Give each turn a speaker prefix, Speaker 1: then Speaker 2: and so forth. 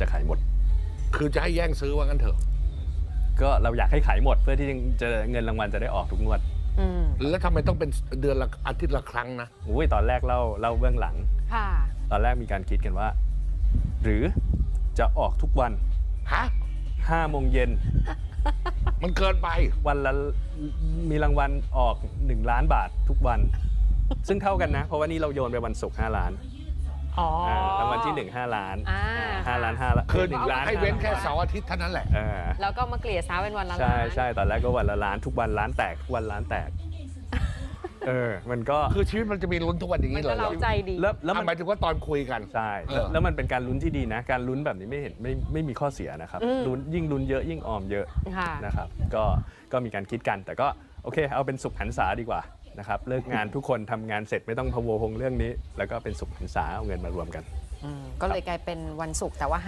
Speaker 1: จะขายหมด
Speaker 2: คือจะให้แย่งซื้อว่างั้นเถอะ
Speaker 1: ก็เราอยากให้ขายหมดเพื่อที่จะเงินรางวัลจะได้ออกทุกงวด
Speaker 2: แล้วทำไมต้องเป็นเดือนละอาทิตย์ละครั้งนะ
Speaker 1: อุ้ยตอนแรกเล่าเบื้องหลังตอนแรกมีการคิดกันว่าหรือจะออกทุกวัน
Speaker 2: ฮะ
Speaker 1: 5 โมงเย็น
Speaker 2: มันเกินไป
Speaker 1: วันละมีรางวัลออก1 ล้านบาททุกวันซึ่งเท่ากันนะเพราะว่านี่เราโยนไปวันศุกร์5 ล้านรางวัลที่1 5 ล้าน5 ล้าน5ล้าน
Speaker 2: คือ1 ล้านให้เว้นแค่เสาร์อาทิตย์เท่านั้นแหละ
Speaker 3: แล้วก็มาเกลี่ยซ้าเป็นวันละล้าน
Speaker 1: ใช่ตอนแรกก็วันละล้านทุกวันล้านแตกทุกวันล้านแตกมันก็
Speaker 2: คือชีวิตมันจะมีลุ้นทุกวันอย่างนี้เลย
Speaker 3: เราใจดี
Speaker 2: แล้วหมายถึงว่าตอนคุยกัน
Speaker 1: ใช่แล้วมันเป็นการลุ้นที่ดีนะการลุ้นแบบนี้ไม่มีข้อเสียนะครับยิ่งลุ้นเยอะยิ่งออมเยอะนะครับก็มีการคิดกันแต่ก็โอเคเอาเป็นสุขหันษาดีกว่านะครับเลิกงานทุกคนทำงานเสร็จไม่ต้องพะวงเรื่องนี้แล้วก็เป็นสุขหันษาเอาเงินมารวมกัน
Speaker 3: ก็เลยกลายเป็นวันศุกร์แต่ว่า